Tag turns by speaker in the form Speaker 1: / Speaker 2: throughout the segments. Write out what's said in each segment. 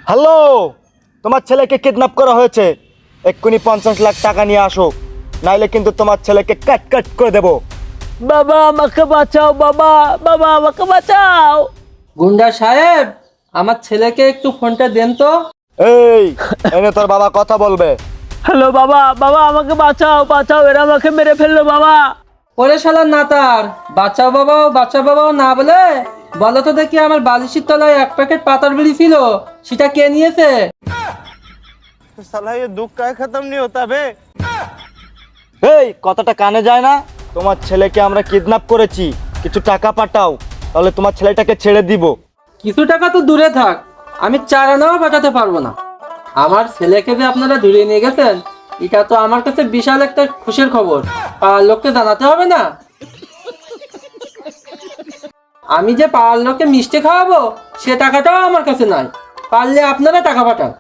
Speaker 1: Hello, তোমার ছেলেকে kidnap করা হয়েছে। এক্ষুনি 50 লাখ টাকা নিয়ে আসো, নাইলে কিন্তু তোমার ছেলেকে কাট কাট করে দেবো।
Speaker 2: বাবা আমাকে বাঁচাও, বাবা বাবা আমাকে বাঁচাও।
Speaker 3: গুন্ডা সাহেব, আমার ছেলেকে একটু ফোনটা দেন তো।
Speaker 1: এই এনে তোর বাবা কথা বলবে।
Speaker 2: হ্যালো বাবা, বাবা আমাকে বাঁচাও, বাঁচাও, এরা আমাকে মেরে ফেললো বাবা।
Speaker 3: ওরে শালার নাতার, বাচ্চা বাবাও না বলে বলো তো দেখি, আমার বালিশের তলায় 1 প্যাকেট পাতার বিড়ি ছিল, সেটা কে নিয়েছে?
Speaker 4: साला ये दुख का खत्म नहीं होता बे।
Speaker 1: এই কথাটা কানে যায় না? তোমার ছেলেকে আমরা কিডন্যাপ করেছি, কিছু টাকা পাঠাও, তাহলে তোমার ছেলেটাকে ছেড়ে দিব।
Speaker 3: কিছু টাকা তো দূরে থাক, আমি 4 আনাও পাঠাতে পারবো না। আমার ছেলেকে যে আপনারা ধরে নিয়ে গেছেন, এটা তো আমার কাছে বিশাল একটা খুশির খবর। পাড়ার লোককে জানাতে হবে না? আমি যে পাড়ার লোককে মিষ্টি খাওয়াবো, সে টাকাটাও আমার কাছে নাই। পারলে আপনারা টাকা পাঠান।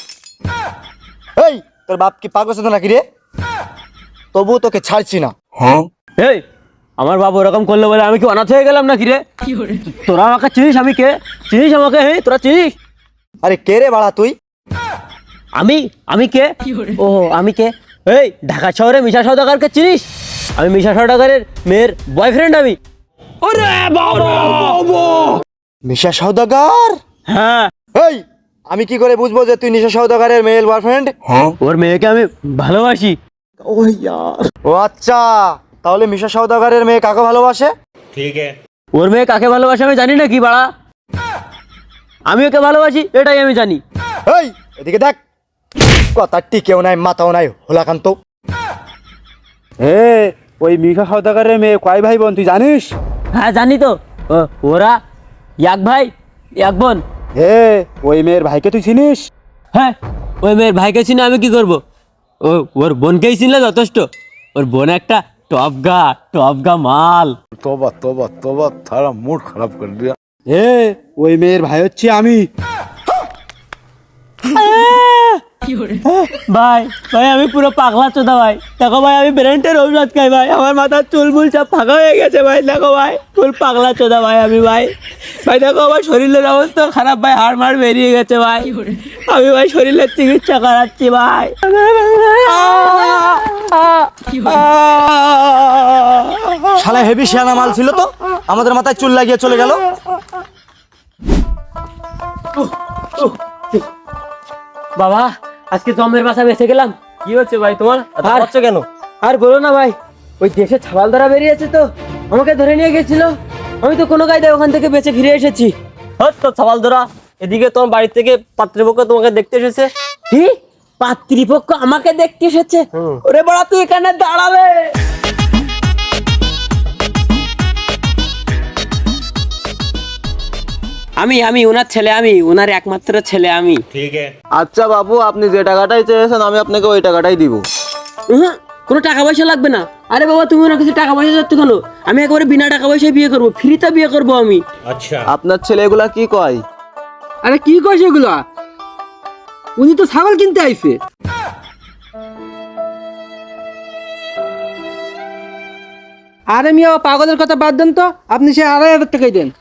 Speaker 1: এই তোর বাপ কি পাগল আছে নাকি রে? তবুও তোকে ছাড়ছি না।
Speaker 2: এই আমার বাবা ওরকম করলো বলে আমি কি অনাথ হয়ে গেলাম নাকি রে? তোরা আমাকে চিনিস? আমি কে চিনিস আমাকে? হ্যাঁ তোরা চিনিস?
Speaker 1: আরে কে রে বাড়া তুই?
Speaker 2: আমি কে? ও আমি কে? এই ঢাকা শহরে মিশা সওদাগরকে চিনিস? আমি মিশা সওদাগরের মেয়ের বয়ফ্রেন্ড আমি। ওরে বাবা!
Speaker 1: মিশা সওদাগর?
Speaker 2: হ্যাঁ,
Speaker 1: এই আমি কি করে বুঝবো যে তুই নিশা সওদাগরের মেল বয়ফ্রেন্ড?
Speaker 2: ওর মেয়েকে আমি ভালোবাসি।
Speaker 1: ও আচ্ছা, তাহলে মিশা সওদাগরের মেয়ে কাকে ভালোবাসে?
Speaker 4: ठीक है।
Speaker 2: ওর মেয়ে কাকে ভালোবাসে আমি জানি না কি বাড়া? আমি ওকে ভালোবাসি এটাই আমি জানি।
Speaker 1: এই এদিকে দেখ, কথা টিকেও নাই মাথাও নাই হোলাকান্ত।
Speaker 5: ওই মিশা সওদাগরের মেয়ে কয় ভাই বোন তুই জানিস?
Speaker 2: হ্যাঁ জানি তো, ওরা এক ভাই এক বোন।
Speaker 5: ওই মেয়ের ভাইকে তুই চিনিস?
Speaker 2: হ্যাঁ, ওই মেয়ের ভাইকে চিনে আমি কি করব? ওর বোনকেই চিনলে যথেষ্ট। ওর বোন একটা টপগা মাল।
Speaker 6: तौबा तौबा तौबा, थारा मूड खराब कर दिया।
Speaker 5: ওই মেয়ের ভাই হচ্ছে আমি।
Speaker 2: ভাই ভাই আমি পুরো পাগলা চোদা ভাই। দেখো ভাই আমি ব্রেন্টের ঔষধ খাই ভাই, আমার মাথার চুলমুল সব ফাঁকা হয়ে গেছে ভাই। দেখো ভাই ফুল পাগলা চোদা ভাই আমি ভাই। ভাই দেখো আমার শরীরের অবস্থা খারাপ ভাই, হাড় মাড় বেরিয়ে গেছে ভাই। আমি ভাই শরীরের চিকিৎসা করাচ্ছি ভাই।
Speaker 1: শালা হেভি শিয়ানা মাল ছিল তো, আমাদের মাথায় চুল লাগিয়ে চলে গেল।
Speaker 2: বাবা আজকে জমের বাসা বেঁচে গেলাম।
Speaker 4: কি হচ্ছে ভাই তোমার?
Speaker 2: আর
Speaker 4: হচ্ছে কেন?
Speaker 2: আর বলো না ভাই, ওই দেশে ছাবাল ধরা বেরিয়েছে তো, আমাকে ধরে নিয়ে গেছিল। আমি তো কোনো কায়দায় ওখান থেকে বেঁচে ফিরে এসেছি।
Speaker 4: হট তো সওয়াল ধরা। এদিকে তোমার বাড়ি থেকে পাত্রপক্ষ তোমাকে দেখতে এসেছে।
Speaker 2: কি পাত্রীপক্ষ আমাকে দেখতে এসেছে? ওরে বড়া তুই এখানে দাঁড়াবে। আমি ওনার ছেলে, আমি ওনার একমাত্র ছেলে আমি।
Speaker 4: ठीक है।
Speaker 7: আচ্ছা বাবু, আপনি যে টাকাটাই চেয়েছেন আমি আপনাকে ওই টাকাটাই দিব।
Speaker 2: কোনো টাকা পয়সা লাগবে না। আরে বাবা তুমি ওনার কাছে টাকা পয়সা যাচ্ছ কেন? আমি একেবারে বিনা টাকা পয়সায় বিয়ে করবো, ফ্রিতে বিয়ে করবো আমি।
Speaker 4: अच्छा।
Speaker 7: আপনার ছেলে এগুলা কি কয়?
Speaker 3: আরে কি কইছে এগুলা? উনি তো ছাগল কিনতে আইছে। আরে মিয়া, পাগলের কথা বাদ দেন তো, আপনি সে 2,500 টাকাই দেন।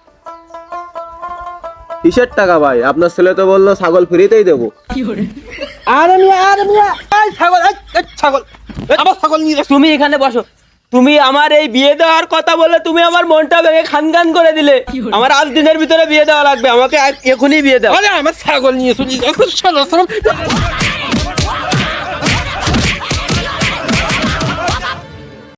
Speaker 7: কিসের টাকা ভাই? আপনার ছেলে তো বললো ছাগল ফ্রিতেই দেবো।
Speaker 3: আরে মিয়া, এই ছাগল, এই ছাগল, আবার ছাগল নিয়ে যাস।
Speaker 2: তুমি এখানে বসো। তুমি আমার এই বিয়ে দেওয়ার কথা বলে তুমি আমার মনটা ভেঙে খানখান করে দিলে। আমার আজ দিনের ভিতরে বিয়ে দেওয়া লাগবে, আমাকে এখনই বিয়ে দাও।
Speaker 3: আরে আমার ছাগল নিয়ে চলে যাস।